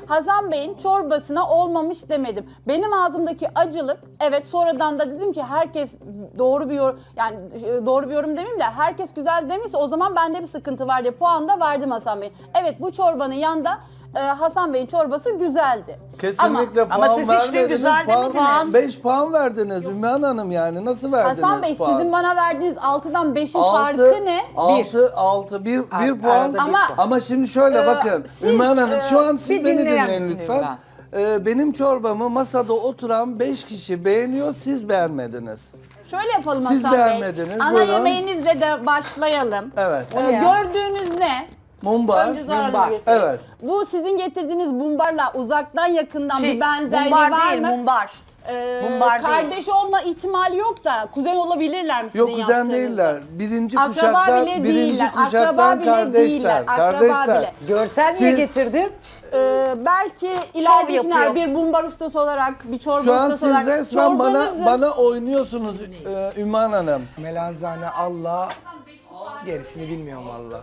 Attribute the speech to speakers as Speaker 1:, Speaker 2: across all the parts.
Speaker 1: Hasan Bey'in çorbasına olmamış demedim. Benim ağzımdaki acılık, evet sonradan da dedim ki herkes doğru bir yorum, yani doğru bir yorum demeyeyim de herkes güzel demişse o zaman bende bir sıkıntı var diye puan da verdim Hasan Bey'in. Evet, bu çorbanın yanında Hasan Bey'in çorbası güzeldi.
Speaker 2: Kesinlikle
Speaker 3: Ama
Speaker 2: puan
Speaker 3: siz hiç de
Speaker 2: vermediniz.
Speaker 3: güzel demediniz.
Speaker 2: 5 puan verdiniz Ümmühan Hanım, yani nasıl verdiniz
Speaker 1: Hasan Bey,
Speaker 2: puan?
Speaker 1: sizin bana verdiğiniz 6'dan 5'in farkı ne?
Speaker 2: 6 bir puan.
Speaker 3: arada bir
Speaker 1: Ama-
Speaker 2: Ama şimdi şöyle bakın.
Speaker 1: siz,
Speaker 2: Ümmühan Hanım şu an siz
Speaker 3: bir
Speaker 2: beni
Speaker 3: dinleyen
Speaker 2: dinleyin
Speaker 3: misin
Speaker 2: lütfen. Benim çorbamı masada oturan 5 kişi beğeniyor, siz beğenmediniz.
Speaker 1: Şöyle yapalım
Speaker 2: Siz
Speaker 1: Hasan Bey.
Speaker 2: beğenmediniz,
Speaker 1: Ana
Speaker 2: buyurun.
Speaker 1: yemeğinizle de başlayalım.
Speaker 2: Evet.
Speaker 1: Gördüğünüz ne?
Speaker 2: Mumbar.
Speaker 1: Önce Zuhal göstereyim.
Speaker 2: Evet.
Speaker 1: Bu sizin getirdiğiniz mumbarla uzaktan yakından bir benzerliği
Speaker 3: mumbar
Speaker 1: var
Speaker 3: değil,
Speaker 1: mı?
Speaker 3: mumbar. Mumbar değil.
Speaker 1: Kardeş olma ihtimali yok da kuzen olabilirler mi sizin
Speaker 2: Yok, kuzen
Speaker 1: yaptığınızda?
Speaker 2: değiller. Birinci
Speaker 1: Akraba
Speaker 2: kuşaktan,
Speaker 1: bile
Speaker 2: birinci
Speaker 1: değiller. Akraba
Speaker 2: kuşaktan
Speaker 1: bile
Speaker 2: kardeşler.
Speaker 1: değiller. Akraba
Speaker 2: Kardeşler.
Speaker 1: bile.
Speaker 3: Görsel niye
Speaker 2: Siz-
Speaker 3: getirdin?
Speaker 1: Belki ileride
Speaker 3: yapıyor.
Speaker 1: işler bir bumbar ustası olarak, bir çorba
Speaker 2: Şu an
Speaker 1: ustası
Speaker 2: siz
Speaker 1: olarak
Speaker 2: resmen
Speaker 1: çorbanızın-
Speaker 2: bana oynuyorsunuz Ümmühan Hanım.
Speaker 4: Melanzane Allah, gerisini bilmiyorum valla.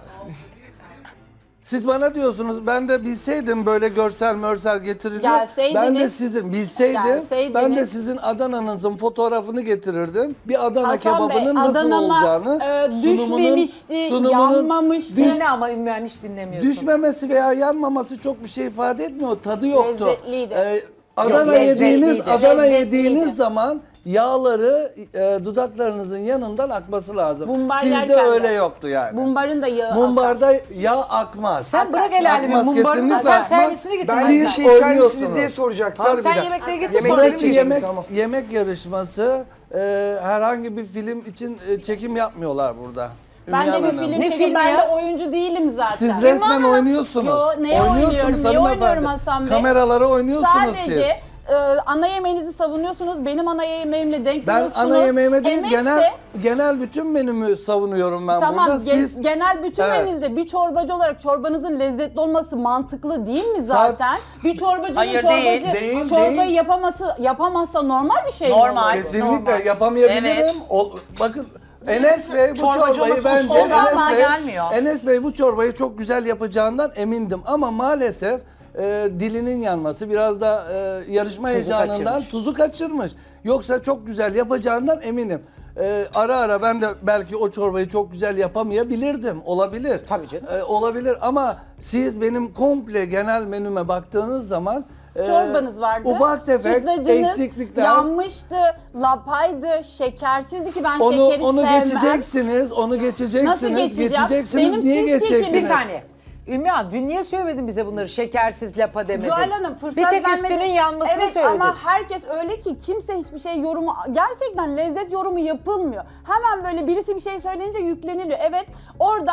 Speaker 2: Siz bana diyorsunuz, ben de bilseydim böyle görsel mörsel getiriliyor.
Speaker 1: Gelseydiniz-
Speaker 2: Ben de sizin bilseydim,
Speaker 1: Gelseydiniz-
Speaker 2: ben de sizin Adana'nızın fotoğrafını getirirdim. Bir Adana
Speaker 1: Hasan
Speaker 2: kebabının
Speaker 1: Bey,
Speaker 2: nasıl
Speaker 1: Adana'ma,
Speaker 2: olacağını,
Speaker 1: düşmemişti, yanmamıştı.
Speaker 3: Dinle ama Ümmühan hiç dinlemiyorsun.
Speaker 2: düşmemesi veya yanmaması çok bir şey ifade etmiyor. Tadı yoktu.
Speaker 1: Lezzetliydi.
Speaker 2: Adana
Speaker 3: lezzetliydi.
Speaker 2: Adana
Speaker 1: Lezzetliydi.
Speaker 2: yediğiniz zaman yağları dudaklarınızın yanından akması lazım.
Speaker 1: Bumbar
Speaker 2: Sizde
Speaker 1: yerken de.
Speaker 2: öyle yoktu yani.
Speaker 1: Bumbarın da yağı akar.
Speaker 2: Mumbarda yağ akmaz.
Speaker 3: Sen bırak el alemi
Speaker 2: Akmaz,
Speaker 3: mumbarını,
Speaker 2: kesinlikle
Speaker 3: sen
Speaker 2: akmaz.
Speaker 3: servisini getir.
Speaker 4: Ben
Speaker 2: Siz
Speaker 4: bir şey içer
Speaker 2: oynuyorsunuz.
Speaker 4: misiniz diye soracaktım.
Speaker 2: Harbiden.
Speaker 3: Sen yemekleri getir,
Speaker 4: Yemek
Speaker 3: sonra
Speaker 4: verir
Speaker 2: Burası
Speaker 4: miyim?
Speaker 2: yemek
Speaker 4: Tamam.
Speaker 2: yemek yarışması. Herhangi bir film için çekim yapmıyorlar burada.
Speaker 1: Ben de
Speaker 2: Ümmühan
Speaker 1: bir
Speaker 2: Hanım.
Speaker 1: film
Speaker 3: Ne
Speaker 1: çekeyim,
Speaker 3: filmi
Speaker 1: ben
Speaker 3: ya?
Speaker 1: de oyuncu değilim zaten.
Speaker 2: Siz resmen
Speaker 1: Hanım-
Speaker 2: oynuyorsunuz.
Speaker 1: Yo, neye oynuyorum, neye
Speaker 2: hanımefendi.
Speaker 1: oynuyorum Hasan Bey?
Speaker 2: Kameralara oynuyorsunuz
Speaker 1: Sadece
Speaker 2: siz.
Speaker 1: ana yemeğinizi savunuyorsunuz, benim ana yemeğimle denk
Speaker 2: Ben
Speaker 1: geliyorsunuz.
Speaker 2: ana yemeğime değil,
Speaker 1: Emekse-
Speaker 2: genel bütün menümü savunuyorum ben
Speaker 1: Tamam,
Speaker 2: burada. Siz
Speaker 1: genel bütün
Speaker 2: Evet.
Speaker 1: menünüzde bir çorbacı olarak çorbanızın lezzetli olması mantıklı değil mi zaten? Bir çorbacının
Speaker 3: Hayır,
Speaker 1: çorbacı
Speaker 3: değil.
Speaker 1: çorbayı
Speaker 2: Değil.
Speaker 1: yapamazsa normal bir şey mi
Speaker 3: Normal.
Speaker 1: olur?
Speaker 2: kesinlikle
Speaker 3: Normal.
Speaker 2: yapamayabilirim.
Speaker 3: Evet.
Speaker 2: Bakın Enes Bey bu
Speaker 3: Çorbacı
Speaker 2: çorbayı
Speaker 3: olması
Speaker 2: bence
Speaker 3: usta olmazdan gelmiyor.
Speaker 2: Enes Bey bu çorbayı çok güzel yapacağından emindim ama maalesef dilinin yanması, biraz da yarışma heyecanından
Speaker 3: kaçırmış.
Speaker 2: tuzu kaçırmış. Yoksa çok güzel yapacağından eminim. Ara ara ben de belki o çorbayı çok güzel yapamayabilirdim. Olabilir.
Speaker 3: Tabii canım.
Speaker 2: Olabilir ama siz benim komple genel menüme baktığınız zaman
Speaker 1: Çorbanız vardı.
Speaker 2: ufak tefek
Speaker 1: Sütlacınız
Speaker 2: eksiklikler.
Speaker 1: yanmıştı, lapaydı, şekersizdi ki ben
Speaker 2: Onu
Speaker 1: şekeri
Speaker 2: onu
Speaker 1: sevmem.
Speaker 2: geçeceksiniz, onu geçeceksiniz,
Speaker 1: Nasıl geçeceğim?
Speaker 2: geçeceksiniz.
Speaker 1: Benim
Speaker 2: Niye
Speaker 1: cheesecake'im-
Speaker 2: geçeceksiniz?
Speaker 3: Bir saniye. Ümmühan dün niye söylemedin bize bunları? Şekersiz lapa demedin.
Speaker 1: Zuhal Hanım fırsat
Speaker 3: Bir tek
Speaker 1: vermedi.
Speaker 3: üstünün yanmasını
Speaker 1: evet,
Speaker 3: söyledin.
Speaker 1: ama herkes öyle ki kimse hiçbir şey yorumu, gerçekten lezzet yorumu yapılmıyor. Hemen böyle birisi bir şey söyleyince yükleniliyor. Evet, orada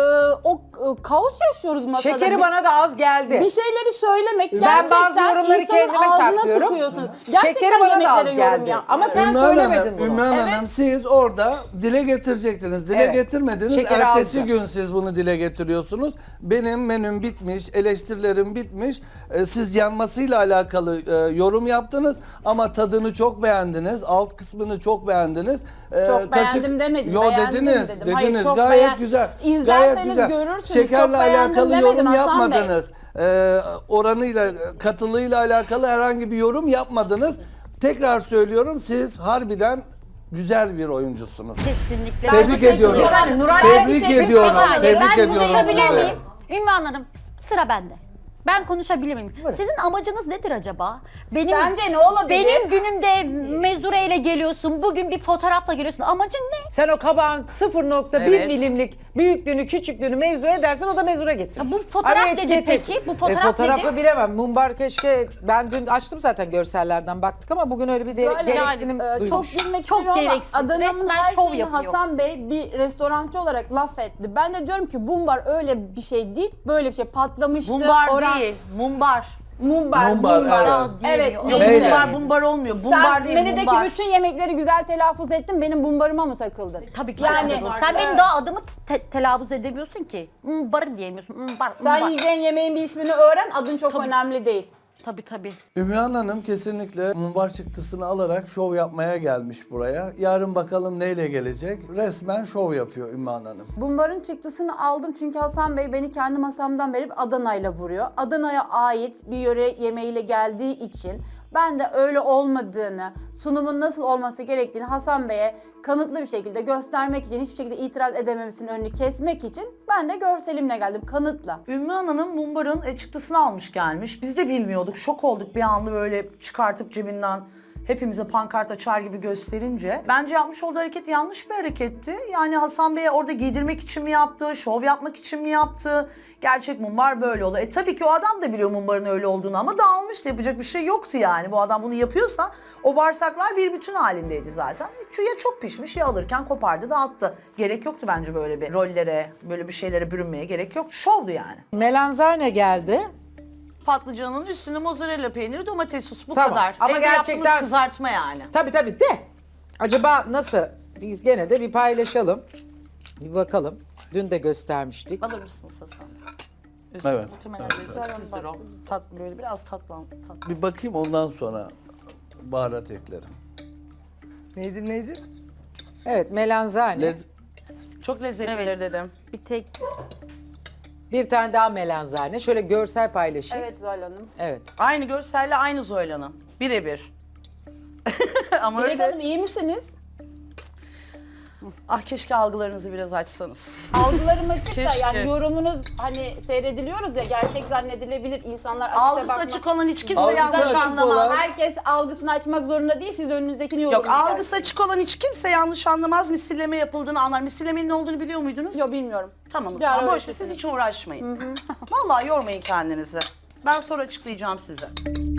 Speaker 1: kaos yaşıyoruz masada.
Speaker 3: Şekeri bana da az geldi.
Speaker 1: bir şeyleri söylemek
Speaker 3: Ben
Speaker 1: gerçekten
Speaker 3: bazı yorumları
Speaker 1: insanın
Speaker 3: kendime
Speaker 1: ağzına
Speaker 3: saklıyorum.
Speaker 1: tıkıyorsunuz. Gerçekten
Speaker 3: Şekeri bana da az
Speaker 1: yemeklere yorum
Speaker 3: geldi.
Speaker 1: yap-
Speaker 3: Ama sen
Speaker 2: Ümmühan
Speaker 3: söylemedin
Speaker 2: Hanım,
Speaker 3: bunu.
Speaker 2: Ümmühan
Speaker 1: Evet.
Speaker 2: Hanım siz orada dile getirecektiniz. Dile
Speaker 3: Evet.
Speaker 2: getirmediniz.
Speaker 3: Şekeri
Speaker 2: Ertesi
Speaker 3: azdı.
Speaker 2: gün siz bunu dile getiriyorsunuz. Benim menüm bitmiş, eleştirilerim bitmiş. Siz yanmasıyla alakalı yorum yaptınız ama tadını çok beğendiniz. Alt kısmını çok beğendiniz.
Speaker 1: Çok beğendim demedim,
Speaker 2: Yo
Speaker 1: beğendim
Speaker 2: dediniz,
Speaker 1: dedim.
Speaker 2: dediniz.
Speaker 1: Hayır, çok
Speaker 2: Gayet güzel.
Speaker 1: İzlerseniz
Speaker 2: Gayet güzel.
Speaker 1: görürsünüz,
Speaker 2: Şekerle
Speaker 1: çok beğendim
Speaker 2: alakalı
Speaker 1: demedim
Speaker 2: yorum
Speaker 1: Hasan Bey.
Speaker 2: yapmadınız. Oranıyla, katılığıyla alakalı herhangi bir yorum yapmadınız. Tekrar söylüyorum, siz harbiden güzel bir oyuncusunuz.
Speaker 5: Kesinlikle.
Speaker 2: Tebrik
Speaker 5: Ben
Speaker 2: ediyorum.
Speaker 3: Yani Nuray
Speaker 2: Tebrik
Speaker 3: Erkin
Speaker 2: ediyorum.
Speaker 5: Ben
Speaker 2: Tebrik ediyorum
Speaker 5: konuşabilir
Speaker 2: sizi.
Speaker 5: miyim? Ümmühan Hanım, sıra bende. Ben konuşabilir miyim? Sizin amacınız nedir acaba? Benim,
Speaker 1: Sence ne olabilir?
Speaker 5: Benim günümde mezureyle geliyorsun, bugün bir fotoğrafla geliyorsun. Amacın ne?
Speaker 3: Sen o kabağın 0,1 Evet.
Speaker 5: milimlik
Speaker 3: büyüklüğünü, küçüklüğünü mevzu edersen o da mezura getir.
Speaker 5: Ya bu fotoğraf
Speaker 3: Ama
Speaker 5: nedir
Speaker 3: etiketi-
Speaker 5: peki? Bu fotoğraf
Speaker 3: fotoğrafı
Speaker 5: nedir?
Speaker 3: bilemem. Mumbar keşke, ben dün açtım zaten görsellerden baktık ama bugün öyle bir
Speaker 1: Böyle
Speaker 3: gereksinim
Speaker 1: çok
Speaker 3: duymuş.
Speaker 1: bilmek
Speaker 5: Çok
Speaker 1: istiyorum ama
Speaker 5: gereksiz.
Speaker 1: Adana'nın
Speaker 5: Resmen
Speaker 1: her
Speaker 5: şov
Speaker 1: şeyini
Speaker 5: yapıyor.
Speaker 1: Hasan Bey bir restorancı olarak laf etti. Ben de diyorum ki bumbar öyle bir şey değil, böyle bir şey patlamıştı.
Speaker 6: Mumbar
Speaker 1: oran-
Speaker 6: değil, mumbar.
Speaker 1: Mumbar,
Speaker 2: Mumbar,
Speaker 1: mumbar.
Speaker 2: evet.
Speaker 1: Evet.
Speaker 5: Yok,
Speaker 6: Yok,
Speaker 2: Neyle?
Speaker 6: mumbar olmuyor. Mumbar
Speaker 1: Sen
Speaker 6: değil,
Speaker 1: menüdeki
Speaker 6: mumbar.
Speaker 1: bütün yemekleri güzel telaffuz ettin, benim bumbarıma mı takıldın?
Speaker 5: Tabii ki.
Speaker 1: Yani,
Speaker 5: Yani, sen benim daha adımı telaffuz edemiyorsun ki. Barı diyemiyorsun. Bar,
Speaker 1: Sen yiyeceğin yemeğin bir ismini öğren, adın çok önemli değil.
Speaker 5: Tabii tabii.
Speaker 2: Ümmühan Hanım kesinlikle mumbar çıktısını alarak şov yapmaya gelmiş buraya. Yarın bakalım neyle gelecek. Resmen şov yapıyor Ümmühan Hanım.
Speaker 1: Bumbarın çıktısını aldım çünkü Hasan Bey beni kendi masamdan verip Adana'yla vuruyor. Adana'ya ait bir yöre yemeğiyle geldiği için ben de öyle olmadığını, sunumun nasıl olması gerektiğini Hasan Bey'e kanıtlı bir şekilde göstermek için, hiçbir şekilde itiraz edememesinin önünü kesmek için ben de görselimle geldim, kanıtla.
Speaker 6: Ümmü Hanım'ın mumbarın çıktısını almış gelmiş. Biz de bilmiyorduk. Şok olduk bir anda böyle çıkartıp cebinden hepimize pankart açar gibi gösterince. Bence yapmış olduğu hareket yanlış bir hareketti. Yani Hasan Bey'e orada giydirmek için mi yaptı, şov yapmak için mi yaptı? Gerçek mumbar böyle olur. Tabii ki o adam da biliyor mumbarın öyle olduğunu ama dağılmıştı. Yapacak bir şey yoktu yani. Bu adam bunu yapıyorsa o bağırsaklar bir bütün halindeydi zaten. Ya çok pişmiş ya alırken kopardı dağıttı. Gerek yoktu bence böyle bir rollere, böyle bir şeylere bürünmeye gerek yoktu. Şovdu yani.
Speaker 3: Melanzane geldi.
Speaker 6: Patlıcanın üstüne mozzarella peyniri, domates sosu bu
Speaker 3: Tamam.
Speaker 6: kadar.
Speaker 3: Ama
Speaker 6: Evde
Speaker 3: gerçekten-
Speaker 6: yaptığımız kızartma yani.
Speaker 3: Tabii de. Acaba nasıl? Biz gene de bir paylaşalım. Bir bakalım. Dün de göstermiştik.
Speaker 6: Alır mısınız Hasan?
Speaker 2: Evet.
Speaker 6: Muhtemelen lezzetsizdir o. Böyle biraz tatlı.
Speaker 2: Bir bakayım ondan sonra baharat eklerim.
Speaker 4: Nedir?
Speaker 3: Evet, melanzane.
Speaker 2: Lez-
Speaker 6: Çok lezzetlidir dedim.
Speaker 5: Bir tek
Speaker 3: Bir tane daha melanzane. Şöyle görsel paylaşayım.
Speaker 1: Evet Zuhal Hanım.
Speaker 3: Evet.
Speaker 6: Aynı görselle aynı Zoyla'nın. Birebir. Ama
Speaker 1: Dilek
Speaker 6: öyle.
Speaker 1: Hanım iyi misiniz?
Speaker 6: Ah keşke algılarınızı biraz açsanız.
Speaker 1: Algılarım açık da
Speaker 6: Keşke.
Speaker 1: yani yorumunuz hani seyrediliyoruz ya, gerçek zannedilebilir, insanlar açıkça
Speaker 6: Algısı
Speaker 1: bakmak.
Speaker 6: açık olan hiç kimse
Speaker 2: Algısı
Speaker 6: yanlış
Speaker 2: açık
Speaker 6: anlamaz.
Speaker 2: olan-
Speaker 1: Herkes algısını açmak zorunda değil, siz önünüzdekini
Speaker 6: Yok
Speaker 1: yorumlayacaksınız.
Speaker 6: algısı açık olan hiç kimse yanlış anlamaz. Misilleme yapıldığını anlar. Misillemenin ne olduğunu biliyor muydunuz?
Speaker 1: Yok, bilmiyorum.
Speaker 6: Tamam o
Speaker 1: Yarın
Speaker 6: zaman boş ver,
Speaker 1: öğretirsiniz.
Speaker 6: siz hiç uğraşmayın. Vallahi yormayın kendinizi. Ben sonra açıklayacağım size.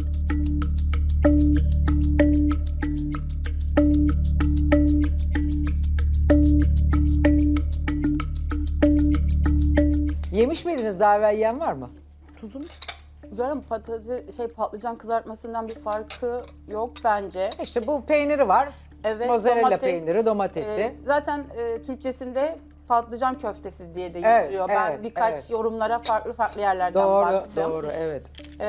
Speaker 3: Yemiş miydiniz? Daha evvel yiyen var mı?
Speaker 1: Zuhal Hanım, patlıcan kızartmasından bir farkı yok bence.
Speaker 3: İşte bu peyniri var.
Speaker 1: Evet,
Speaker 3: Mozzarella
Speaker 1: domates,
Speaker 3: peyniri, domatesi.
Speaker 1: Zaten Türkçesinde patlıcan köftesi diye de
Speaker 3: Evet,
Speaker 1: yazıyor. Ben
Speaker 3: evet,
Speaker 1: birkaç
Speaker 3: evet.
Speaker 1: yorumlara farklı yerlerden
Speaker 3: Doğru,
Speaker 1: baktım.
Speaker 3: doğru, evet.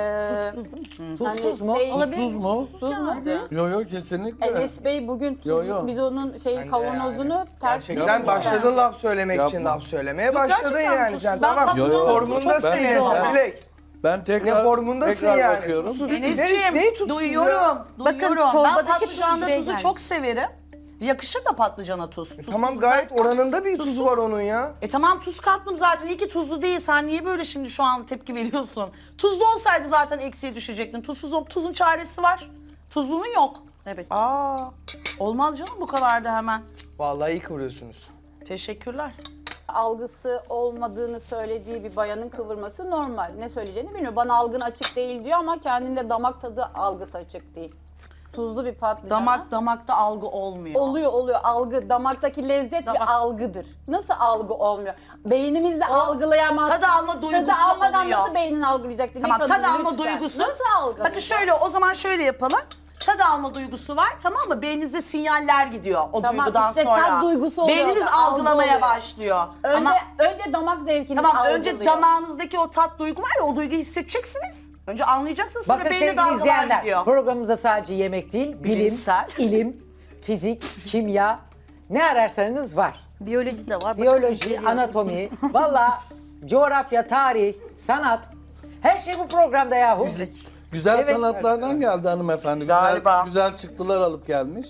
Speaker 1: Hani
Speaker 3: Tuzsuz mu?
Speaker 2: Tuzsuz mu?
Speaker 1: Tuz mu?
Speaker 2: Yok kesinlikle.
Speaker 1: Enes Bey bugün tuz,
Speaker 2: Yo.
Speaker 1: biz onun kavanozunu ters
Speaker 4: Gerçekten başladın laf söylemek için
Speaker 2: Yapma.
Speaker 4: laf söylemeye başladın
Speaker 6: gerçekten
Speaker 4: yani
Speaker 6: tuz-
Speaker 4: sen.
Speaker 6: ben
Speaker 4: Tamam.
Speaker 6: patlıcan
Speaker 4: Formundasın
Speaker 2: çok
Speaker 4: yine
Speaker 2: seviyorum.
Speaker 4: sen Dilek.
Speaker 2: Ben
Speaker 4: Ne
Speaker 2: tekrar
Speaker 4: formundasın
Speaker 2: tekrar
Speaker 4: yani.
Speaker 2: bakıyorum.
Speaker 4: Tuzsuz bir
Speaker 6: Enes'ciğim
Speaker 4: neyi tutsuz ya?
Speaker 6: duyuyorum.
Speaker 5: Bakın,
Speaker 6: Ben
Speaker 5: çorbadaki
Speaker 6: patlıcanda
Speaker 5: tuz
Speaker 6: tuzu
Speaker 5: yani.
Speaker 6: çok severim. Yakışır da patlıcana tuz.
Speaker 4: Tamam gayet oranında bir tuzu var onun ya.
Speaker 6: Tamam tuz kattım zaten. İyi ki tuzlu değil. Sen niye böyle şimdi şu an tepki veriyorsun? Tuzlu olsaydı zaten eksiye düşecektin. Tuzun çaresi var. Tuzlunun yok.
Speaker 5: evet.
Speaker 6: Aa, olmaz canım bu kadar da hemen.
Speaker 4: Vallahi iyi kıvırıyorsunuz.
Speaker 6: Teşekkürler.
Speaker 1: algısı olmadığını söylediği bir bayanın kıvırması normal. Ne söyleyeceğini bilmiyor. Bana algın açık değil diyor ama kendinde damak tadı algısı açık değil. Tuzlu bir patlıcana.
Speaker 6: Damakta algı olmuyor.
Speaker 1: Oluyor algı. Damaktaki lezzet bir algıdır. Nasıl algı olmuyor? Beynimizle algılayamaz.
Speaker 6: tadı alma duygusu
Speaker 1: Tadı almadan
Speaker 6: oluyor.
Speaker 1: nasıl beynin algılayacak? Dilek
Speaker 6: Tamam
Speaker 1: Hanım,
Speaker 6: tadı alma
Speaker 1: lütfen.
Speaker 6: duygusu.
Speaker 1: Nasıl algılayacak?
Speaker 6: Bakın şöyle o zaman şöyle yapalım. Tadı alma duygusu var tamam mı? Beyninize sinyaller gidiyor o
Speaker 1: Tamam,
Speaker 6: duygudan
Speaker 1: işte
Speaker 6: sonra.
Speaker 1: tat duygusu oluyor
Speaker 6: Beyniniz
Speaker 1: orada, algı
Speaker 6: algılamaya
Speaker 1: oluyor.
Speaker 6: başlıyor.
Speaker 1: Önce damak zevkini
Speaker 6: Tamam
Speaker 1: algılıyor.
Speaker 6: önce damağınızdaki o tat duygu var ya o duyguyu hissedeceksiniz. Önce anlayacaksınız sonra
Speaker 3: Bakın
Speaker 6: beyne
Speaker 3: sevgili
Speaker 6: dalgalar
Speaker 3: izleyenler,
Speaker 6: gidiyor.
Speaker 3: programımızda sadece yemek değil,
Speaker 6: Bilimsel.
Speaker 3: ilim, fizik, kimya, ne ararsanız var.
Speaker 5: Biyoloji de var. Bakın,
Speaker 3: Biyoloji,
Speaker 5: geliyor.
Speaker 3: anatomi, valla coğrafya, tarih, sanat, her şey bu programda yahu.
Speaker 2: Güzel
Speaker 3: Evet.
Speaker 2: sanatlardan geldi hanımefendi.
Speaker 6: Galiba.
Speaker 2: Güzel çıktılar alıp gelmiş.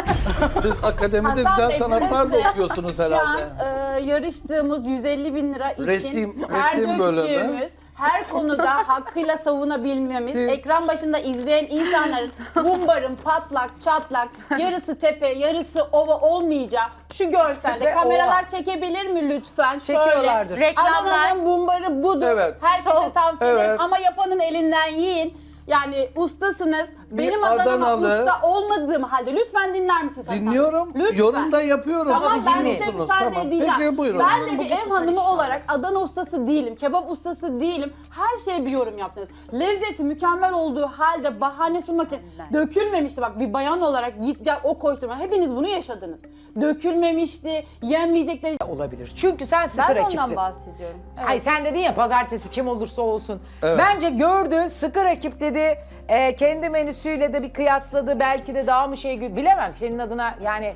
Speaker 2: Siz akademide
Speaker 1: Hasan
Speaker 2: güzel
Speaker 1: Bey,
Speaker 2: sanatlar da
Speaker 1: burası
Speaker 2: okuyorsunuz
Speaker 1: Şu an
Speaker 2: herhalde.
Speaker 1: yarıştığımız 150 bin lira için
Speaker 2: Resim
Speaker 1: her
Speaker 2: bölümü.
Speaker 1: döktüğümüz, her konuda hakkıyla savunabilmemiz,
Speaker 2: Siz-
Speaker 1: ekran başında izleyen insanların bumbarın patlak, çatlak, yarısı tepe, yarısı ova olmayacağı şu görselde
Speaker 3: Tepe,
Speaker 1: kameralar
Speaker 3: ova.
Speaker 1: çekebilir mi lütfen?
Speaker 3: Çekiyorlardır.
Speaker 1: Şöyle,
Speaker 5: Reklamlar.
Speaker 1: Adana'nın bumbarı budur.
Speaker 2: Evet.
Speaker 1: Herkese tavsiye ederim
Speaker 2: Evet.
Speaker 1: ama yapanın elinden yiyin. Yani ustasınız. Benim
Speaker 2: bir
Speaker 1: Adana'ma
Speaker 2: Adanalı-
Speaker 1: usta olmadığım halde lütfen dinler misiniz Hasan?
Speaker 2: Dinliyorum.
Speaker 1: Lütfen.
Speaker 2: Yorum da yapıyorum.
Speaker 1: Tamam
Speaker 2: Siz
Speaker 1: ben size
Speaker 2: dinliyorsunuz.
Speaker 1: müsaade
Speaker 2: Tamam.
Speaker 1: edeceğim.
Speaker 2: Peki buyurun.
Speaker 1: Ben de bir ev hanımı olarak Adana ustası değilim, kebap ustası değilim. Her şeye bir yorum yaptınız. Lezzeti mükemmel olduğu halde bahane sunmak için dökülmemişti. Bak bir bayan olarak git gel o koşturma. Hepiniz bunu yaşadınız. Dökülmemişti, yenmeyecekleri.
Speaker 3: Olabilir. Çünkü sen sıkı
Speaker 1: Ben de
Speaker 3: rakiptin.
Speaker 1: ondan bahsediyorum. Evet.
Speaker 3: Ay sen dedin ya pazartesi kim olursa olsun.
Speaker 2: Evet.
Speaker 3: Bence gördü, sıkı rakip dedi. Kendi menüsüyle de bir kıyasladı. Belki de daha mı bilemem. Senin adına yani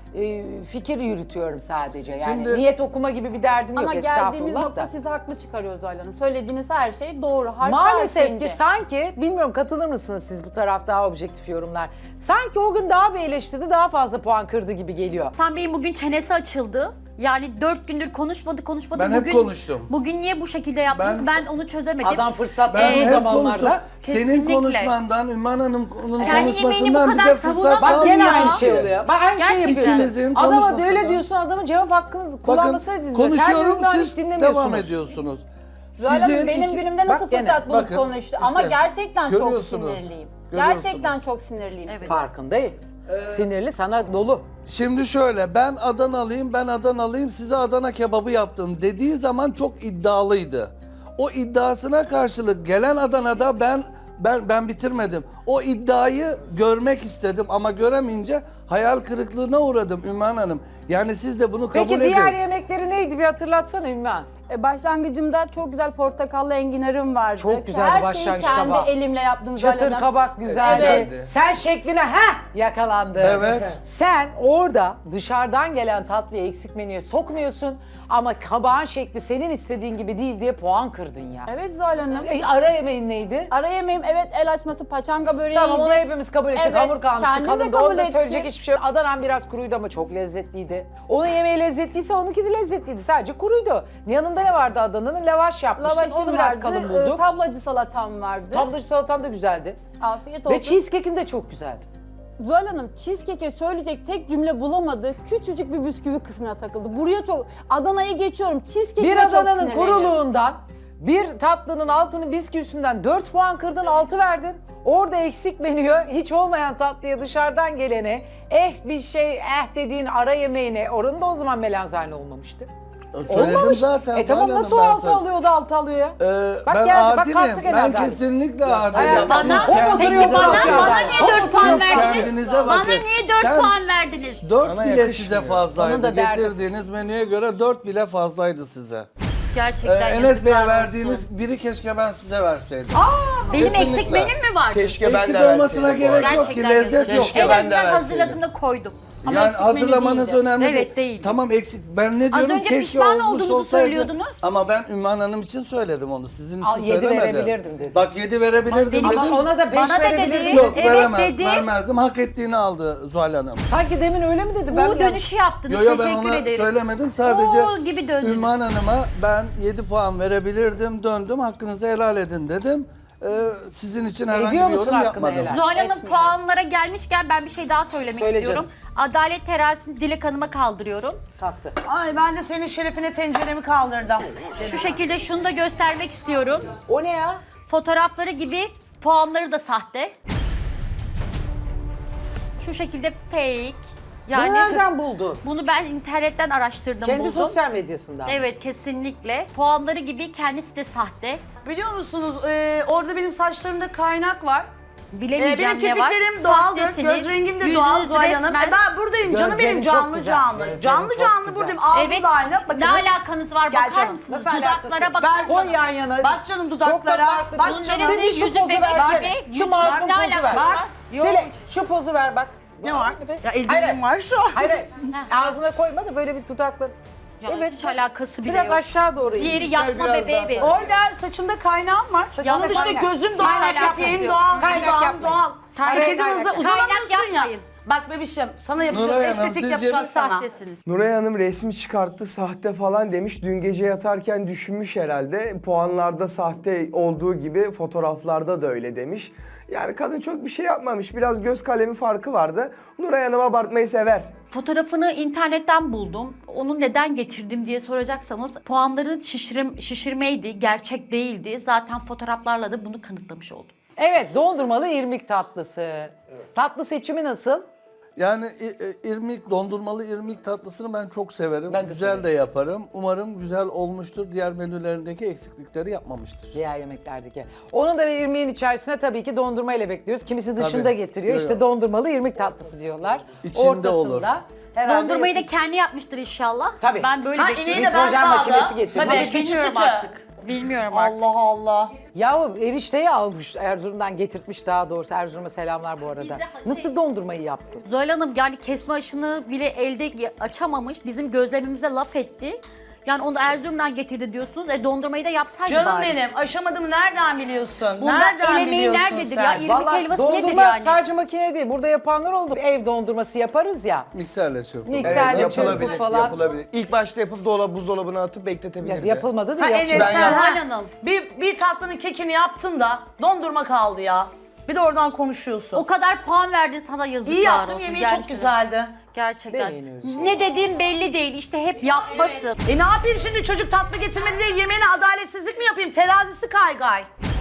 Speaker 3: fikir yürütüyorum sadece. Yani
Speaker 2: Şimdi-
Speaker 3: niyet okuma gibi bir derdim
Speaker 1: Ama
Speaker 3: yok
Speaker 1: geldiğimiz
Speaker 3: estağfurullah
Speaker 1: nokta
Speaker 3: da.
Speaker 1: sizi haklı çıkarıyor Zuhal Hanım. Söylediğiniz her şey doğru. Harf
Speaker 3: Maalesef
Speaker 1: harfince.
Speaker 3: ki sanki, bilmiyorum katılır mısınız siz bu taraf daha objektif yorumlar. Sanki o gün daha bir eleştirdi, daha fazla puan kırdı gibi geliyor.
Speaker 5: Hasan Bey'in bugün çenesi açıldı. Yani 4 gündür konuşmadı.
Speaker 2: Ben hep konuştum.
Speaker 5: Bugün niye bu şekilde yaptınız? Ben onu çözemedim.
Speaker 3: Adam fırsat
Speaker 2: Ben
Speaker 3: bulduğu
Speaker 2: hep
Speaker 3: zamanlarda.
Speaker 2: konuştum. Senin
Speaker 5: Kesinlikle.
Speaker 2: konuşmandan, Ümmü Hanım'ın
Speaker 5: Kendi yemeğini
Speaker 2: konuşmasından
Speaker 5: bu kadar
Speaker 2: bize fırsat
Speaker 5: savunamaz.
Speaker 3: Bak
Speaker 2: kalmıyor
Speaker 3: gene
Speaker 5: Ya.
Speaker 3: aynı şey oluyor. Bak aynı şey
Speaker 5: Gerçekten.
Speaker 3: yapıyorsun.
Speaker 2: İkinizin
Speaker 3: Adama da
Speaker 2: konuşmasından-
Speaker 3: öyle diyorsun, adamın cevap hakkınız
Speaker 2: Bakın
Speaker 3: kullanmasaydınız.
Speaker 2: konuşuyorum,
Speaker 3: Her
Speaker 2: siz
Speaker 3: dinlemiyorsunuz.
Speaker 2: devam ediyorsunuz.
Speaker 1: Zuhal Hanım benim günümde nasıl
Speaker 3: Bak gene,
Speaker 1: fırsat bulup
Speaker 2: bakın,
Speaker 1: konuştu.
Speaker 2: işte,
Speaker 1: Ama gerçekten çok
Speaker 2: görüyorsunuz,
Speaker 1: sinirliyim.
Speaker 2: görüyorsunuz.
Speaker 1: Gerçekten çok sinirliyim.
Speaker 5: Evet.
Speaker 1: size.
Speaker 3: Farkındayım. Sinirli sana dolu.
Speaker 2: Şimdi şöyle, ben Adanalıyım, size Adana kebabı yaptım dediği zaman çok iddialıydı. O iddiasına karşılık gelen Adana'da ben bitirmedim. O iddiayı görmek istedim ama göremeyince hayal kırıklığına uğradım Ümmühan Hanım. Yani siz de bunu kabul
Speaker 3: Peki
Speaker 2: edin.
Speaker 3: diğer yemekleri neydi bir hatırlatsana Ümmühan.
Speaker 1: Başlangıcımda çok güzel portakallı enginarım vardı.
Speaker 3: Çok güzeldi
Speaker 1: Her
Speaker 3: başlangıç
Speaker 1: şeyi kendi
Speaker 3: tabağı.
Speaker 1: elimle yaptım. Zuhal
Speaker 3: Çatır
Speaker 1: Hanım.
Speaker 3: kabak güzeldi.
Speaker 2: Evet.
Speaker 3: Sen şekline yakalandı.
Speaker 2: Evet.
Speaker 3: Sen orada dışarıdan gelen tatlıyı eksik menüye sokmuyorsun ama kabağın şekli senin istediğin gibi değil diye puan kırdın ya.
Speaker 1: Evet Zuhal Hanım.
Speaker 3: Ara yemeğin neydi?
Speaker 1: Ara yemeğim evet el açması paçanga böreğiydi.
Speaker 3: Tamam onu hepimiz kabul ettik.
Speaker 1: Evet,
Speaker 3: Hamur kalmıştı.
Speaker 1: kendim de
Speaker 3: Kalın
Speaker 1: kabul
Speaker 3: onda
Speaker 1: ettim.
Speaker 3: söyleyecek hiçbir şey yok. Adana'm biraz kuruydu ama çok lezzetliydi. Onun yemeği lezzetliyse onunki de lezzetliydi. Sadece kuruydu. Yanında ne vardı Adana'nın? Lavaş yapmıştın.
Speaker 1: Lavaşım
Speaker 3: Onu biraz
Speaker 1: vardı,
Speaker 3: kalın bulduk.
Speaker 1: tablacı salatam vardı.
Speaker 3: Tablacı salatan da güzeldi.
Speaker 1: Afiyet olsun.
Speaker 3: Ve cheesecake'in de çok güzeldi.
Speaker 1: Zuhal Hanım cheesecake'e söyleyecek tek cümle bulamadı. Küçücük bir bisküvi kısmına takıldı. Buraya çok Adana'yı geçiyorum. Cheesecake'e
Speaker 3: Bir
Speaker 1: çok
Speaker 3: Adana'nın
Speaker 1: sinirleniyorum.
Speaker 3: kuruluğundan, bir tatlının altını bisküvisinden 4 puan kırdın, 6 verdin. Orada eksik menüye, hiç olmayan tatlıya dışarıdan gelene, bir şey, dediğin ara yemeğine, oranın da o zaman melanzane olmamıştı.
Speaker 2: Söyledim
Speaker 3: Olmamış.
Speaker 2: zaten.
Speaker 3: Tamam
Speaker 2: Zuhal
Speaker 3: nasıl o
Speaker 2: Hanım, ben
Speaker 3: 6
Speaker 2: söyledim.
Speaker 3: alıyor da 6 alıyor ya? Bak
Speaker 2: Ben
Speaker 3: geldi, bak
Speaker 2: adilim.
Speaker 3: kalktı gene
Speaker 2: Ben
Speaker 3: adalet.
Speaker 2: kesinlikle adilim.
Speaker 3: Bana-
Speaker 2: Siz
Speaker 3: Peki
Speaker 2: kendinize
Speaker 3: bana
Speaker 2: bakın.
Speaker 5: niye 4 puan
Speaker 2: Siz
Speaker 5: verdiniz?
Speaker 2: kendinize
Speaker 5: Bana
Speaker 2: bakın.
Speaker 5: niye 4
Speaker 2: Sen-
Speaker 5: puan verdiniz?
Speaker 2: 4
Speaker 4: Sana
Speaker 2: bile
Speaker 4: yakışmıyor.
Speaker 2: size
Speaker 3: Onun
Speaker 2: fazlaydı.
Speaker 3: da derdi.
Speaker 2: Getirdiğiniz menüye göre 4 bile fazlaydı size.
Speaker 5: Gerçekten
Speaker 2: Enes
Speaker 5: yazıklar
Speaker 2: Bey'e
Speaker 5: olsun.
Speaker 2: verdiğiniz biri keşke ben size verseydim.
Speaker 5: Benim eksik
Speaker 2: Kesinlikle.
Speaker 5: menüm mü vardı?
Speaker 4: Keşke ben
Speaker 2: Eksik
Speaker 4: de
Speaker 2: olmasına
Speaker 4: verseydim bu
Speaker 2: gerek
Speaker 4: arada.
Speaker 2: yok ki,
Speaker 5: Gerçekten
Speaker 2: lezzet
Speaker 5: yazık.
Speaker 2: yok.
Speaker 4: Keşke
Speaker 5: En
Speaker 4: ben de
Speaker 5: azından
Speaker 4: verseydim.
Speaker 5: hazırladım da koydum. Ama
Speaker 2: Yani
Speaker 5: eksik menü
Speaker 2: hazırlamanız
Speaker 5: değildi.
Speaker 2: önemli değil.
Speaker 5: Evet değil.
Speaker 2: Tamam eksik. Ben ne
Speaker 5: Az
Speaker 2: diyorum
Speaker 5: önce
Speaker 2: keşke
Speaker 5: pişman
Speaker 2: olmuş
Speaker 5: olduğunuzu
Speaker 2: olsaydı.
Speaker 5: söylüyordunuz.
Speaker 2: Ama ben Ümmühan Hanım için söyledim onu. Sizin için
Speaker 3: 7
Speaker 2: söylemedim.
Speaker 3: verebilirdim dedi.
Speaker 2: Bak 7 verebilirdim
Speaker 5: Ama
Speaker 2: dedim.
Speaker 3: Ama ona da 5
Speaker 5: Bana da
Speaker 3: verebilirdin.
Speaker 5: dedi.
Speaker 2: Yok
Speaker 5: Evet dedi.
Speaker 2: vermezdim. Hak ettiğini aldı Zuhal Hanım.
Speaker 3: Sanki demin öyle mi dedi? Ben
Speaker 5: Bu dönüşü yaptınız.
Speaker 2: Yo ben
Speaker 5: Teşekkür
Speaker 2: ona
Speaker 5: ederim.
Speaker 2: söylemedim. Sadece
Speaker 5: Oo gibi döndünüz.
Speaker 2: Ümmühan Hanım'a ben 7 puan verebilirdim. Döndüm hakkınızı helal edin dedim. Sizin için herhangi
Speaker 3: Ediyor
Speaker 2: bir
Speaker 3: musun
Speaker 2: yorum
Speaker 3: hakkını
Speaker 2: yapmadım.
Speaker 3: helal?
Speaker 5: Zuhal Hanım
Speaker 3: Etmiyorum.
Speaker 5: puanlara gelmişken ben bir şey daha söylemek
Speaker 3: Söyle
Speaker 5: istiyorum.
Speaker 3: canım.
Speaker 5: Adalet terazisini Dilek Hanım'a kaldırıyorum.
Speaker 3: Taktı.
Speaker 6: Ay ben de senin şerefine tenceremi kaldırdım.
Speaker 5: Şu şekilde şunu da göstermek istiyorum.
Speaker 3: O ne ya?
Speaker 5: Fotoğrafları gibi puanları da sahte. Şu şekilde fake. Yani
Speaker 3: Bunu nereden buldun?
Speaker 5: bunu ben internetten araştırdım,
Speaker 3: Kendi
Speaker 5: buldum.
Speaker 3: sosyal medyasından.
Speaker 5: Evet kesinlikle. Puanları gibi kendisi de sahte.
Speaker 6: Biliyor musunuz orada benim saçlarımda kaynak var.
Speaker 5: Bilemeyeceğim
Speaker 6: Benim
Speaker 5: ne var.
Speaker 6: kirpiklerim doğaldır,
Speaker 5: Sahtesiniz.
Speaker 6: göz rengim de
Speaker 5: Yüzünüz
Speaker 6: doğal Zuhal Hanım.
Speaker 5: resmen-
Speaker 6: Ben buradayım canım
Speaker 3: Gözlerin
Speaker 6: benim
Speaker 3: çok
Speaker 6: canlı
Speaker 3: güzel,
Speaker 6: canlı.
Speaker 3: gözlerin
Speaker 6: Canlı
Speaker 3: çok
Speaker 6: canlı
Speaker 3: güzel.
Speaker 6: buradayım. Ağzım
Speaker 5: Evet.
Speaker 6: da aynı. Bakın.
Speaker 5: Ne alakanız var
Speaker 6: Gel
Speaker 5: bakar
Speaker 6: canım.
Speaker 5: mısınız?
Speaker 3: Nasıl alakası?
Speaker 5: Dudaklara bak.
Speaker 6: Ver
Speaker 3: Koy
Speaker 6: canım.
Speaker 3: yan yana.
Speaker 6: Bak canım
Speaker 3: Çok da
Speaker 6: dudaklara.
Speaker 3: farklı.
Speaker 6: Bak
Speaker 5: Bunun
Speaker 6: canım.
Speaker 5: neresi
Speaker 3: Bir şu
Speaker 5: yüzü
Speaker 3: pozu
Speaker 5: bebek
Speaker 3: versene.
Speaker 5: gibi.
Speaker 3: Şu
Speaker 5: Yüzünüz
Speaker 3: masum
Speaker 5: ne
Speaker 3: pozu
Speaker 5: alakası
Speaker 3: ver.
Speaker 5: var? Yok.
Speaker 3: Dile şu pozu ver bak.
Speaker 6: Ne var? Ya
Speaker 3: Hayır.
Speaker 6: eldivenim var şu an.
Speaker 3: Hayır hayır. Ağzına koyma da böyle bir dudakla.
Speaker 5: Ya
Speaker 3: Evet.
Speaker 5: hiç alakası bile
Speaker 3: Biraz
Speaker 5: yok.
Speaker 3: aşağı doğru.
Speaker 5: Diğeri
Speaker 3: in.
Speaker 5: yapma
Speaker 4: biraz
Speaker 5: bebeği
Speaker 4: daha
Speaker 5: benim.
Speaker 6: Orada saçımda kaynağım var.
Speaker 3: Saçında
Speaker 6: Onun dışında
Speaker 3: kaynak.
Speaker 6: gözüm doğal,
Speaker 3: Kaynak
Speaker 6: kirpiğim
Speaker 3: yapmayın.
Speaker 6: doğal,
Speaker 3: Kaynak
Speaker 6: dudağım
Speaker 3: yapmayın.
Speaker 6: doğal.
Speaker 3: Kaynak
Speaker 6: Hareketin
Speaker 3: yapmayın.
Speaker 6: hızı uzanamıyorsun
Speaker 5: Kaynak
Speaker 6: ya.
Speaker 5: yapmayın.
Speaker 6: Bak bebişim sana yapacağım
Speaker 2: Nuray Hanım,
Speaker 6: estetik
Speaker 2: sizce
Speaker 6: yapacağız sana.
Speaker 5: Sahtesiniz.
Speaker 4: Nuray Hanım resmi çıkarttı sahte falan demiş. Dün gece yatarken düşünmüş herhalde. Puanlarda sahte olduğu gibi fotoğraflarda da öyle demiş. Yani kadın çok bir şey yapmamış. Biraz göz kalemi farkı vardı. Nuray Hanım abartmayı sever.
Speaker 5: Fotoğrafını internetten buldum. Onu neden getirdim diye soracaksanız puanları şişirmeydi, gerçek değildi. Zaten fotoğraflarla da bunu kanıtlamış oldum.
Speaker 3: Evet, dondurmalı irmik tatlısı. Tatlı seçimi nasıl?
Speaker 2: Yani irmik, dondurmalı irmik tatlısını ben çok severim.
Speaker 3: Ben de
Speaker 2: güzel
Speaker 3: severim.
Speaker 2: de yaparım. Umarım güzel olmuştur. Diğer menülerindeki eksiklikleri yapmamıştır.
Speaker 3: Diğer yemeklerdeki. Onun da bir irmiğin içerisine tabii ki dondurma ile bekliyoruz. Kimisi dışında
Speaker 2: Tabii.
Speaker 3: getiriyor.
Speaker 2: Yok,
Speaker 3: İşte
Speaker 2: yok.
Speaker 3: dondurmalı irmik tatlısı diyorlar.
Speaker 2: İçinde
Speaker 3: Ortasında
Speaker 2: olur.
Speaker 3: herhalde
Speaker 5: Dondurmayı da kendi yapmıştır inşallah.
Speaker 3: Tabii.
Speaker 5: Ben böyle
Speaker 6: Ha
Speaker 5: bekliyorum.
Speaker 6: ineği de ben
Speaker 3: Nitrojen
Speaker 6: sağladım.
Speaker 3: makinesi getirdim.
Speaker 6: Tabii
Speaker 5: Ama
Speaker 6: bilmiyorum
Speaker 5: sütü.
Speaker 6: artık.
Speaker 5: Bilmiyorum artık.
Speaker 6: Allah Allah.
Speaker 3: Yahu erişteyi almış Erzurum'dan getirtmiş daha doğrusu. Erzurum'a selamlar bu arada.
Speaker 5: Bizde
Speaker 3: Nasıl dondurmayı yapsın?
Speaker 5: Zuhal Hanım yani kesme aşını bile elde açamamış. Bizim gözlemimize laf etti. Yani onu Erzurum'dan getirdi diyorsunuz. Dondurmayı da yapsaydı
Speaker 6: Canım
Speaker 5: bari.
Speaker 6: benim aşamadım nereden biliyorsun?
Speaker 5: Burada el
Speaker 6: Nereden
Speaker 5: emeği
Speaker 6: biliyorsun
Speaker 5: nerededir
Speaker 6: sen?
Speaker 5: ya? İrmik
Speaker 3: Vallahi
Speaker 5: helvası nedir
Speaker 3: dondurma
Speaker 5: yani?
Speaker 3: sadece makine değil. Burada yapanlar oldu. Ev dondurması yaparız ya.
Speaker 2: Mikserle çırpılır.
Speaker 3: Mikserle
Speaker 4: Evet,
Speaker 3: çırpıp
Speaker 4: yapılabilir,
Speaker 3: falan.
Speaker 4: yapılabilir. İlk başta yapıp buzdolabına atıp bekletebilirdi.
Speaker 3: Yapılmadı
Speaker 6: Ha
Speaker 3: diye.
Speaker 6: Enes
Speaker 4: Ben
Speaker 6: sen
Speaker 4: yaptım.
Speaker 6: ha,
Speaker 5: Zuhal Hanım.
Speaker 6: bir tatlının kekini yaptın da dondurma kaldı ya. Bir de oradan konuşuyorsun.
Speaker 5: O kadar puan verdin sana yazıklar
Speaker 6: İyi yaptım
Speaker 5: olsun.
Speaker 6: yemeği çok
Speaker 5: gerçekten.
Speaker 6: güzeldi.
Speaker 5: Gerçekten.
Speaker 3: Demeyin
Speaker 5: Ne dediğin belli değil. İşte hep yapmasın.
Speaker 6: Ne yapayım şimdi çocuk tatlı getirmedi diye yemeğine adaletsizlik mi yapayım? Terazisi kaygay.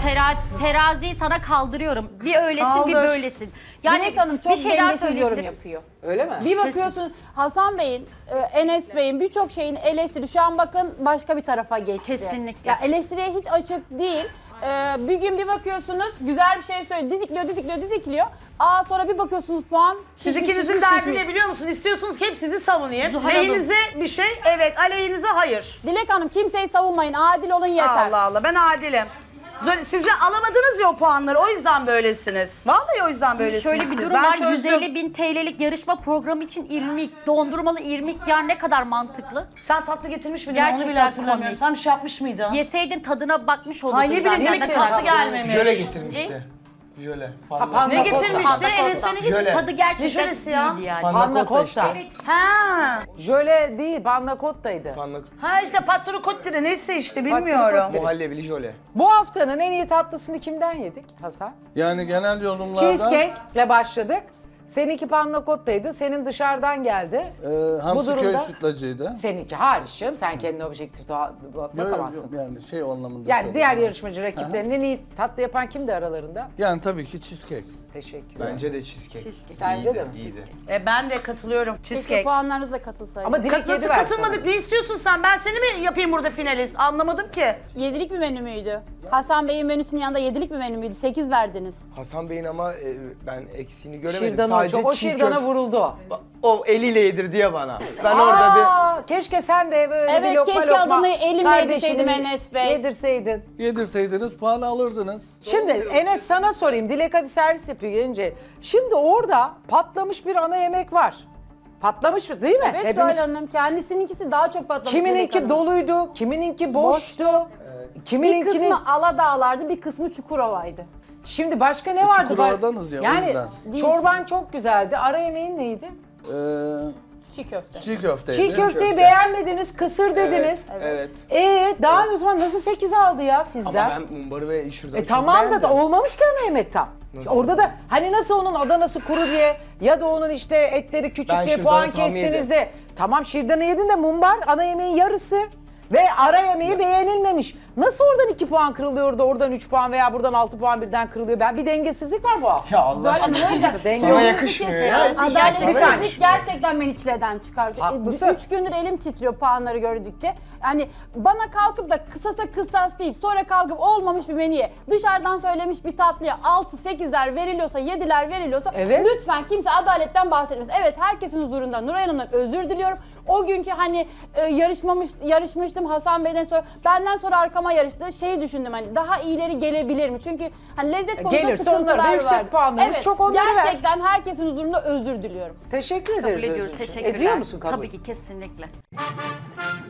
Speaker 5: Teraziyi sana kaldırıyorum. Bir öylesin bir
Speaker 6: Kaldır.
Speaker 5: böylesin. Yani
Speaker 1: Dilek Hanım çok
Speaker 5: bir şey daha
Speaker 1: dengesiz yorum
Speaker 5: söyleyebilirim.
Speaker 1: yapıyor.
Speaker 3: Öyle mi?
Speaker 1: Bir bakıyorsun Hasan Bey'in, Enes Bey'in birçok şeyini eleştiri. Şu an bakın başka bir tarafa geçti.
Speaker 5: Kesinlikle.
Speaker 1: Ya eleştiriye hiç açık değil. Bir gün bir bakıyorsunuz güzel bir şey söylüyor. Didikliyor. Sonra bir bakıyorsunuz puan
Speaker 6: Siz
Speaker 1: şişmiş,
Speaker 6: ikinizin
Speaker 1: şişmiş,
Speaker 6: derdi
Speaker 1: şişmiş.
Speaker 6: ne biliyor musun? İstiyorsunuz ki hep sizi savunayım.
Speaker 5: Zuhal Hanım.
Speaker 6: Lehinize bir şey evet, aleyhinize hayır.
Speaker 1: Dilek Hanım kimseyi savunmayın. Adil olun yeter.
Speaker 6: Allah Allah ben adilim. Siz de alamadınız ya o puanları o yüzden böylesiniz. Vallahi o yüzden böylesiniz.
Speaker 5: Şöyle bir
Speaker 6: siz.
Speaker 5: durum
Speaker 6: Ben
Speaker 5: var.
Speaker 6: çözdüm.
Speaker 5: 150.000 TL'lik yarışma programı için irmik, dondurmalı irmik yani ne kadar mantıklı.
Speaker 6: Sen tatlı getirmiş miydin onu bile
Speaker 5: Gerçekten
Speaker 6: hatırlamıyorum.
Speaker 5: komik.
Speaker 6: Sen bir şey yapmış mıydın?
Speaker 5: Yeseydin tadına bakmış olurdun
Speaker 6: Ay ne bileyim
Speaker 5: zaten.
Speaker 6: demek
Speaker 5: Ne
Speaker 6: ki
Speaker 5: kadar
Speaker 6: tatlı gelmemiş.
Speaker 4: Jöle getirmişti. Jöle.
Speaker 3: Panna
Speaker 6: Ne
Speaker 3: cotta.
Speaker 6: getirmişti?
Speaker 5: Panna
Speaker 6: Enes
Speaker 5: cotta.
Speaker 6: beni getirdi.
Speaker 4: Jöle.
Speaker 5: Tadı gerçekten
Speaker 6: Ne jölesi ya?
Speaker 5: iyiydi yani.
Speaker 4: Panna
Speaker 3: Panna
Speaker 4: cotta işte.
Speaker 3: cotta.
Speaker 6: Ha.
Speaker 3: Jöle değil, panna cotta'ydı.
Speaker 6: Ha işte patron kottire neyse işte bilmiyorum.
Speaker 4: Muhallebili jöle.
Speaker 3: Bu haftanın en iyi tatlısını kimden yedik Hasan?
Speaker 2: Yani genel yorumlarda
Speaker 3: Cheesecake'le başladık. Seninki panna cotta'ydı, senin dışarıdan geldi.
Speaker 2: Hamsiköy
Speaker 3: durumda-
Speaker 2: sütlacıydı.
Speaker 3: Seninki hariç canım, sen kendine objektif bakamazsın.
Speaker 2: Yani şey anlamında
Speaker 3: Yani
Speaker 2: söyledim.
Speaker 3: diğer yarışmacı rakiplerinin en iyi tatlı yapan kimdi aralarında?
Speaker 2: Yani tabii ki cheesecake.
Speaker 3: Teşekkür.
Speaker 4: Bence de cheesecake.
Speaker 5: Cheesecake.
Speaker 3: Sence de mi?
Speaker 4: İyiydi.
Speaker 6: Ben de katılıyorum.
Speaker 1: Keşke
Speaker 6: Cheesecake.
Speaker 1: puanlarınızla katılsaydı.
Speaker 3: Ama Dilek
Speaker 6: Nasıl
Speaker 3: yedi versin.
Speaker 6: katılmadık? Ne istiyorsun sen? Ben seni mi yapayım burada finalist? Anlamadım ki.
Speaker 1: Yedilik bir menü müydü? Hasan Bey'in menüsünün yanında yedilik bir menü müydü? 8 verdiniz.
Speaker 4: Hasan Bey'in ama ben eksiğini göremedim.
Speaker 3: Şirdan'a
Speaker 4: Sadece
Speaker 3: çok, o
Speaker 4: çiğ
Speaker 3: şirdana
Speaker 4: köfte-
Speaker 3: vuruldu.
Speaker 4: O eliyle yedirdi ya bana. Ben orada bir...
Speaker 3: Aa, keşke sen de böyle
Speaker 1: Evet,
Speaker 3: bir lokma
Speaker 1: keşke
Speaker 3: lokma
Speaker 1: adını elimle
Speaker 3: kardeşinin
Speaker 1: yedirseydim Enes Bey.
Speaker 3: Yedirseydin.
Speaker 2: Yedirseydiniz puanı alırdınız.
Speaker 3: Şimdi Enes sana sorayım. Dilek hadi servis yapıyor gelince. Şimdi orada patlamış bir ana yemek var. Patlamış mı değil mi?
Speaker 1: Evet
Speaker 3: Hepimiz-
Speaker 1: Zuhal Hanım kendisininkisi daha çok patlamış. Dilek
Speaker 3: Kimininki
Speaker 1: Hanım.
Speaker 3: doluydu, kimininki boştu.
Speaker 1: Bir
Speaker 3: Kimininkini...
Speaker 1: kısmı Aladağlar'dı, bir kısmı Çukurova'ydı.
Speaker 3: Şimdi başka ne vardı?
Speaker 2: Çukurova'danız ya, o
Speaker 3: Yani
Speaker 2: yüzden.
Speaker 3: çorban çok güzeldi. Ara yemeğin neydi?
Speaker 1: Çiğ köfte.
Speaker 2: Çiğ köfteydi.
Speaker 3: Çiğ köfteyi
Speaker 4: köfte.
Speaker 3: beğenmediniz, kısır dediniz.
Speaker 4: Evet.
Speaker 3: Daha o zaman nasıl 8 aldı ya
Speaker 4: Ama
Speaker 3: sizden?
Speaker 4: ben mumbarı ve şırdanı çok
Speaker 3: Tamam da
Speaker 4: beğendim.
Speaker 3: olmamış ki ana yemek tam.
Speaker 4: Nasıl?
Speaker 3: Orada da hani nasıl onun Adanası kuru diye ya da onun işte etleri küçük
Speaker 4: Ben
Speaker 3: diye
Speaker 4: şırdanı
Speaker 3: puan
Speaker 4: tam
Speaker 3: kestiniz
Speaker 4: yedim.
Speaker 3: de. Tamam şırdanı yedin de mumbar ana yemeğin yarısı ve ara yemeği beğenilmemiş. Nasıl oradan 2 puan kırılıyor da oradan 3 puan veya buradan 6 puan birden kırılıyor? Bir dengesizlik var bu hafta.
Speaker 4: Ya Allah aşkına.
Speaker 3: Denge
Speaker 4: Sana
Speaker 3: yok.
Speaker 4: yakışmıyor ya.
Speaker 1: Adaletsizlik gerçekten beni çileden çıkartıyor.
Speaker 3: Haklısın.
Speaker 1: 3 gündür elim titriyor puanları gördükçe. Yani bana kalkıp da kısasa kısas değil, sonra kalkıp olmamış bir menüye, dışarıdan söylemiş bir tatlıya 6-8'ler veriliyorsa, 7'ler veriliyorsa
Speaker 3: Evet.
Speaker 1: lütfen kimse adaletten bahsetmez. Evet, herkesin huzurunda Nuray Hanım'dan özür diliyorum. O günkü hani yarışmıştım Hasan Bey'den sonra, benden sonra arkama yarıştı. Şeyi düşündüm hani daha iyileri gelebilir mi? Çünkü hani lezzet konusunda
Speaker 3: Gelirse onlara da
Speaker 1: sıkıntılar
Speaker 3: yüksek
Speaker 1: var.
Speaker 3: puanlarımız, çok onları ver.
Speaker 1: Gerçekten herkesin huzurunda özür diliyorum.
Speaker 3: Teşekkür ederiz.
Speaker 5: Kabul ediyoruz.
Speaker 3: Özgürcüğüm.
Speaker 5: Teşekkürler.
Speaker 3: Ediyor musun kabul?
Speaker 5: Tabii ki kesinlikle.